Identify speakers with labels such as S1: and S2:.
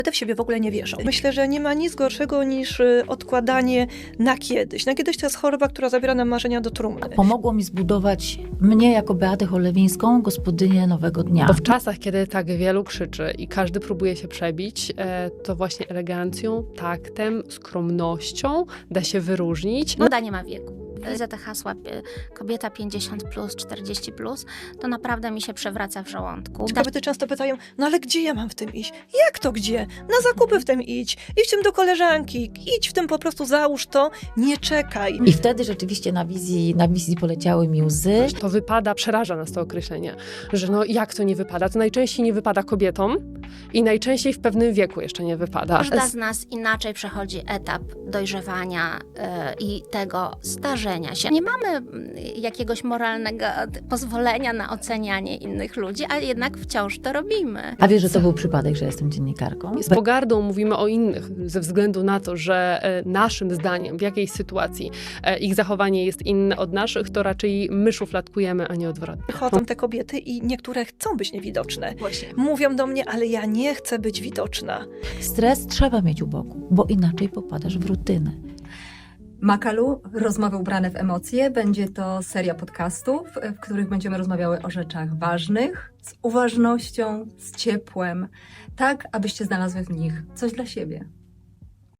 S1: Te w siebie w ogóle nie wierzą. Myślę, że nie ma nic gorszego niż odkładanie na kiedyś. Na kiedyś to jest choroba, która zabiera nam marzenia do trumny.
S2: Pomogło mi zbudować mnie jako Beatę Cholewińską, gospodynię Nowego Dnia.
S3: Bo w czasach, kiedy tak wielu krzyczy i każdy próbuje się przebić, to właśnie elegancją, taktem, skromnością da się wyróżnić.
S4: Moda nie ma wieku. Za te hasła kobieta 50+, 40+, to naprawdę mi się przewraca w żołądku.
S1: Kobiety często pytają, no ale gdzie ja mam w tym iść? Jak to gdzie? Na zakupy w tym idź w tym do koleżanki, idź w tym po prostu, załóż to, nie czekaj.
S2: I wtedy rzeczywiście na wizji poleciały mi łzy.
S3: To wypada, przeraża nas to określenie, że no jak to nie wypada? To najczęściej nie wypada kobietom i najczęściej w pewnym wieku jeszcze nie wypada.
S4: Każda z nas inaczej przechodzi etap dojrzewania i tego starzenia się. Nie mamy jakiegoś moralnego pozwolenia na ocenianie innych ludzi, ale jednak wciąż to robimy.
S2: A wiesz, że to był przypadek, że jestem dziennikarką?
S3: Z pogardą mówimy o innych ze względu na to, że naszym zdaniem w jakiejś sytuacji ich zachowanie jest inne od naszych, to raczej my szufladkujemy, a nie odwrotnie.
S1: Chodzą te kobiety i niektóre chcą być niewidoczne.
S2: Właśnie.
S1: Mówią do mnie, ale ja nie chcę być widoczna.
S2: Stres trzeba mieć u boku, bo inaczej popadasz w rutynę.
S5: Makalu, rozmowy ubrane w emocje. Będzie to seria podcastów, w których będziemy rozmawiały o rzeczach ważnych, z uważnością, z ciepłem, tak abyście znalazły w nich coś dla siebie.